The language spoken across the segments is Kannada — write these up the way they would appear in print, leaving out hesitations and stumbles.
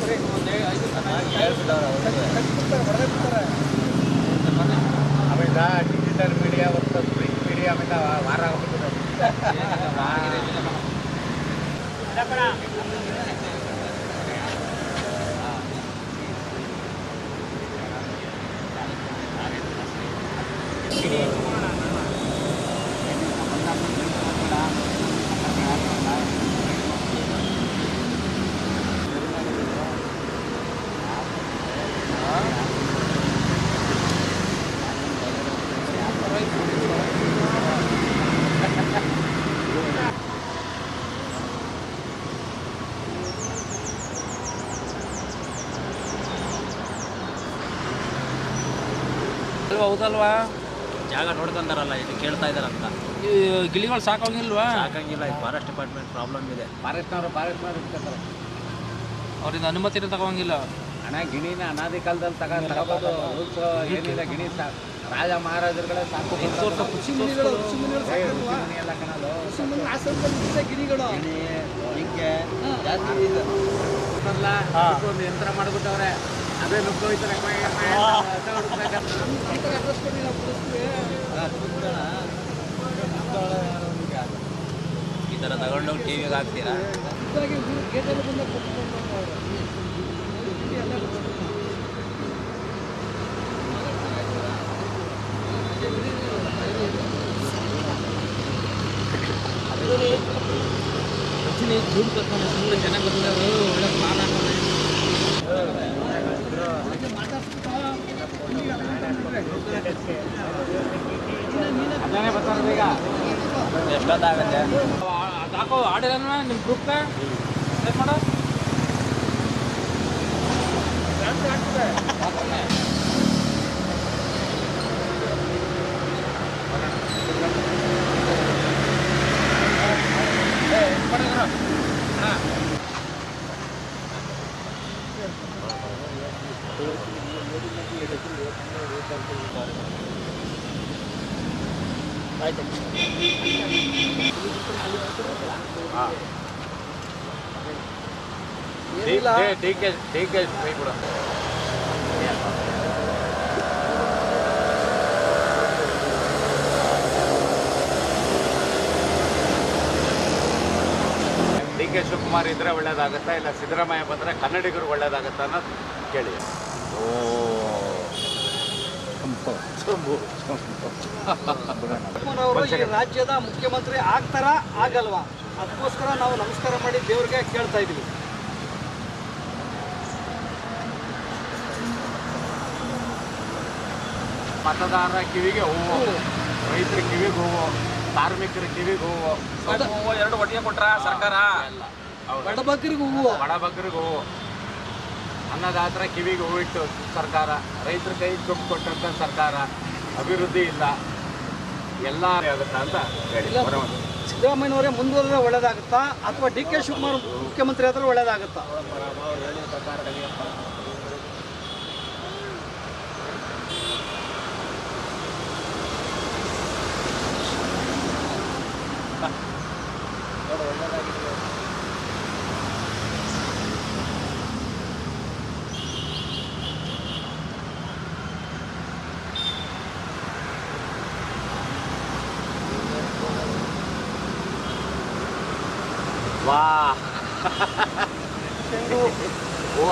ಆಮೇಲೆ ಡಿಜಿಟಲ್ ಮೀಡಿಯಾ ಮತ್ತು ಪ್ರಿಂಟ್ ಮೀಡಿಯಾ ಆಮೇಲೆ ವಾರ ಹೌದಲ್ವಾ? ಜಾಗ ನೋಡ್ಕೊಂತಾರಲ್ಲ, ಇದು ಕೇಳ್ತಾ ಇದಾರಂತ. ಈ ಗಿಳಿಗಳು ಸಾಕೋಂಗಿಲ್ವಾ? ಸಾಕಂಗಿಲ್ಲ, ಇದು ಫಾರೆಸ್ಟ್ ಡಿಪಾರ್ಟ್ಮೆಂಟ್ ಪ್ರಾಬ್ಲಮ್ ಇದೆ. ಫಾರೆಸ್ಟ್ನವರು ಇರ್ತಾರೆ, ಅವ್ರಿಂದ ಅನುಮತಿನ ತಗೋಂಗಿಲ್ಲ. ಹಣ ಗಿಣಿನ ಅನಾದಿ ಕಾಲದಲ್ಲಿ ತಗೋಬೋದು. ರೂಲ್ಸ್ ಏನಿಲ್ಲ, ಗಿಣಿ ರಾಜ ಮಹಾರಾಜರುಗಳೇ ಸಾಕು. ಎಲ್ಲ ಕಣಲು ಗಿಣಿಗಳು ಜಿಂಕೆ ಜಾಸ್ತಿ ಒಂದು ಯಂತ್ರ ಮಾಡಿಬಿಟ್ಟವ್ರೆ, ಅದೇ ನುಗ್ಗೋಯ್ತಾರೆ. ಈ ಥರ ತಗೊಂಡೋಗಿ ಟಿವಿಗೆ ಹಾಕ್ತೀರಾ? ದುಡ್ಡು ಕರ್ಕೊಂಡು ಸುಮ್ಮನೆ ಚೆನ್ನಾಗಿ ಬಂದವರು ಒಳ್ಳೆ ಪ್ಲಾನ್ ಹಾಕೋಣ. ಅಲ್ಲೇ ಬರ್ತಾರೆ ಈಗ. ಎಷ್ಟೊತ್ತಾಗುತ್ತೆ? ಅದು ಹಾಕೋ ಆಡಿರಲ್ವ ನಿಮ್ಮ ಗ್ರೂಪ್ಗೆ ಸೆಟ್ ಮಾಡೋ. ಆಯ್ತು. ಡಿ.ಕೆ ಫ್ರೀ ಕೂಡ. ಡಿ.ಕೆ ಶಿವಕುಮಾರ್ ಇದ್ರೆ ಒಳ್ಳೇದಾಗುತ್ತಾ, ಇಲ್ಲ ಸಿದ್ದರಾಮಯ್ಯ ಬಂದರೆ ಕನ್ನಡಿಗರು ಒಳ್ಳೇದಾಗುತ್ತಾ ಅನ್ನೋದು ಕೇಳಿ. ಅವರು ಈ ರಾಜ್ಯದ ಮುಖ್ಯಮಂತ್ರಿ ಆಗ್ತಾರಾ ಆಗಲ್ವಾ? ಅದಕ್ಕೋಸ್ಕರ ನಾವು ನಮಸ್ಕಾರ ಮಾಡಿ ದೇವ್ರಿಗೆ ಕೇಳ್ತಾ ಇದೀವಿ. ಮತದಾರರ ಕಿವಿಗೆ ಹೂವು, ರೈತರ ಕಿವಿಗೆ ಹೂವು, ಕಾರ್ಮಿಕರ ಕಿವಿಗೆ ಹೂವು. ಎರಡು ಒಟ್ಟಿಗೆ ಕೊಟ್ರ ಸರ್ಕಾರ? ಬಡಬಗ್ಗರಿಗೂ ಹೂವು, ಬಡಬಗ್ಗರಿಗೆ ಹೂವು, ಅನ್ನದಾತರ ಕಿವಿಗೆ ಹೂವಿಟ್ಟು ಸರ್ಕಾರ, ರೈತರ ಕೈ ದುಡ್ಡು ಕೊಟ್ಟಂತ ಸರ್ಕಾರ, ಅಭಿವೃದ್ಧಿ ಇಲ್ಲ, ಎಲ್ಲ ಆಗುತ್ತಾ ಅಂತ ಹೇಳಿ. ಸಿದ್ದರಾಮಯ್ಯನವರೇ ಮುಂದುವರೆದ್ರೆ ಒಳ್ಳೇದಾಗುತ್ತಾ ಅಥವಾ ಡಿ.ಕೆ ಶಿವಕುಮಾರ್ ಮುಖ್ಯಮಂತ್ರಿ ಆದ್ರೆ ಒಳ್ಳೇದಾಗುತ್ತಾ? ವಾ ಹೂವ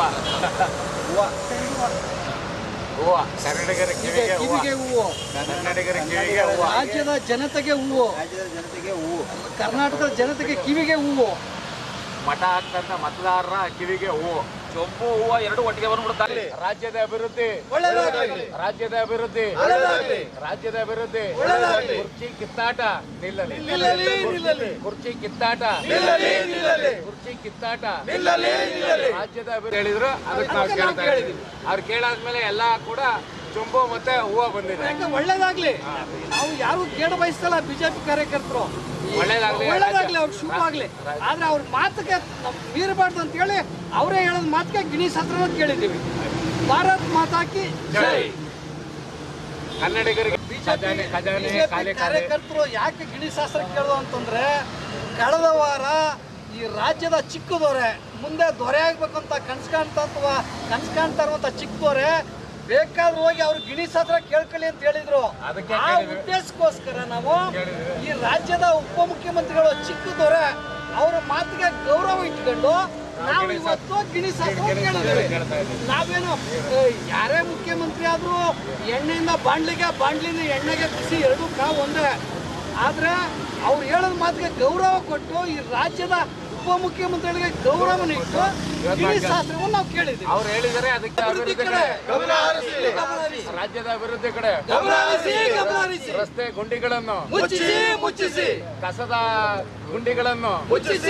ಹೂವ, ಕನ್ನಡಿಗರ ಕಿವಿಗೆ ಹೂವು, ಕನ್ನಡಿಗರ ಕಿವಿಗೆ ಹೂವ, ರಾಜ್ಯದ ಜನತೆಗೆ ಹೂವು, ಕರ್ನಾಟಕದ ಜನತೆಗೆ ಕಿವಿಗೆ ಹೂವು, ಮಠ ಹಾಕ್ತಂತ ಮತದಾರರ ಕಿವಿಗೆ ಹೂವು, ಚೊಂಬು ಹೂವು ಎರಡು ಒಟ್ಟಿಗೆ ಬಂದ್ಬಿಡ್ತಾರೆ. ರಾಜ್ಯದ ಅಭಿವೃದ್ಧಿ, ರಾಜ್ಯದ ಅಭಿವೃದ್ಧಿ, ರಾಜ್ಯದ ಅಭಿವೃದ್ಧಿ. ಕುರ್ಚಿ ಕಿತ್ತಾಟ ನಿಲ್ಲಲಿ, ಕುರ್ಚಿ ಕಿತ್ತಾಟ, ಕುರ್ಚಿ ಕಿತ್ತಾಟ, ರಾಜ್ಯದ ಅಭಿವೃದ್ಧಿ ಹೇಳಿದ್ರು. ಅದಕ್ಕೆ ನಾವು ಕೇಳ್ತಾ ಇದ್ದೀವಿ. ಅವ್ರು ಕೇಳಾದ್ಮೇಲೆ ಎಲ್ಲ ಕೂಡ ಚೊಂಬು ಮತ್ತೆ ಹೂವು ಬಂದಿದೆ. ಒಳ್ಳೇದಾಗ್ಲಿ. ನಾವು ಯಾರು ಕೇಳ ಬಯಸ್ತಲ್ಲ, ಬಿಜೆಪಿ ಕಾರ್ಯಕರ್ತರು ಒಳ್ಳೇದಾಗ್ಲಿ, ಅವ್ರಿಗೆ ಶುಭ ಆಗ್ಲಿ. ಆದ್ರೆ ಅವ್ರ ಮಾತಿಗೆ ಮೀರಬಾರ್ದು ಅಂತ ಹೇಳಿ ಅವರೇ ಹೇಳೋದ್ ಮಾತಿಗೆ ಗಿಣಿ ಶಾಸ್ತ್ರ ಕೇಳಿದ್ದೀವಿ. ಭಾರತ್ ಮಾತಾಕಿ ಜೈ. ಕನ್ನಡಿಗರಿಗೆ ಕಾರ್ಯಕರ್ತರು ಯಾಕೆ ಗಿಣಿ ಶಾಸ್ತ್ರ ಕೇಳೋದು ಅಂತಂದ್ರೆ, ಕಳೆದ ವಾರ ಈ ರಾಜ್ಯದ ಚಿಕ್ಕದವರೇ ಮುಂದೆ ದೊರೆ ಆಗ್ಬೇಕಂತ ಕನ್ಸು ಕಾಣ್ತಾ ಇರುವಂತ ಚಿಕ್ಕ ದೊರೆ ಬೇಕಾದ್ರೂ ಹೋಗಿ ಅವ್ರು ಗಿಣೀಸ್ ಹತ್ರ ಕೇಳ್ಕೊಳ್ಳಿ ಅಂತ ಹೇಳಿದ್ರು. ಅದಕ್ಕೆ ಆ ಉದ್ದೇಶಕ್ಕೋಸ್ಕರ ನಾವು ಈ ರಾಜ್ಯದ ಉಪಮುಖ್ಯಮಂತ್ರಿಗಳು ಚಿಕ್ಕ ದೊರೆ ಅವರ ಮಾತಿಗೆ ಗೌರವ ಇಟ್ಕೊಂಡು ನಾವು ಇವತ್ತು ಗಿಣೀಸ್ ಹತ್ರ ಕೇಳಿದ್ವಿ. ನಾವೇನು ಯಾರೇ ಮುಖ್ಯಮಂತ್ರಿ ಆದ್ರೂ ಎಣ್ಣೆಯಿಂದ ಬಾಂಡ್ಲಿಂದ ಎಣ್ಣೆಗೆ ಬಿಸಿ ಎರಡೂ ಕಾವು ಒಂದೇ. ಆದ್ರೆ ಅವ್ರು ಹೇಳೋದ್ ಮಾತಿಗೆ ಗೌರವ ಕೊಟ್ಟು ಈ ರಾಜ್ಯದ ಉಪಮುಖ್ಯಮಂತ್ರಿಗಳಿಗೆ ಗೌರವನ ಇಟ್ಟು ಗಿಣಿ ಶಾಸ್ತ್ರವನ್ನು ನಾವು ಕೇಳಿದ್ವಿ. ಅವ್ರು ಹೇಳಿದರೆ ಅದಕ್ಕೆ ಅಭಿವೃದ್ಧಿ ಕಡೆ ರಾಜ್ಯದ ಅಭಿವೃದ್ಧಿ ಕಡೆ ರಸ್ತೆ ಗುಂಡಿಗಳನ್ನು ಮುಚ್ಚಿಸಿ ಕಸದ ಗುಂಡಿಗಳನ್ನು